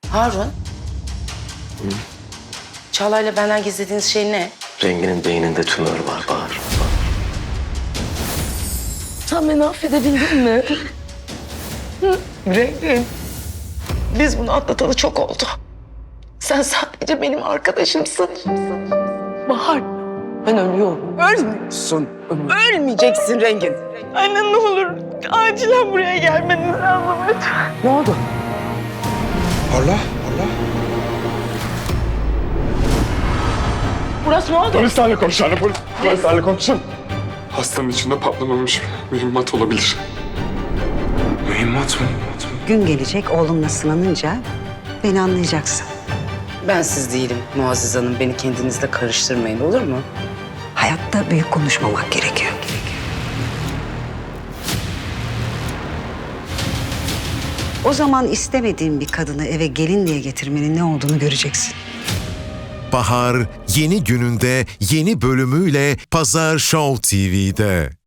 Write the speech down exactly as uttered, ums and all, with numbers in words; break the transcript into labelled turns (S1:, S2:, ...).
S1: Harun. Çağla'yla benden gizlediğiniz şey ne?
S2: Renginin beyninde tümör var Bahar.
S1: Sen beni affedebildin mi? Rengin. Biz bunu atlatalı çok oldu. Sen sadece benim arkadaşımsın. Bahar. Ben ölüyorum. Ölmüyorsun. Ölmeyeceksin Rengin. Anne ne olur acilen buraya gelmeniz lazım lütfen. Ne oldu?
S3: Parla, parla.
S1: Burası ne oldu?
S3: Polislerle konuşalım, polis, polislerle konuşalım. Hastanın içinde patlamamış mühimmat olabilir. Mühimmat mı?
S4: Gün gelecek oğlumla sınanınca beni anlayacaksın.
S1: Ben siz değilim Muazzez Hanım. Beni kendinizle karıştırmayın olur mu?
S4: Hayatta büyük konuşmamak gerekiyor. O zaman istemediğin bir kadını eve gelin diye getirmenin ne olduğunu göreceksin.
S5: Bahar yeni gününde yeni bölümüyle Pazar Show T V'de.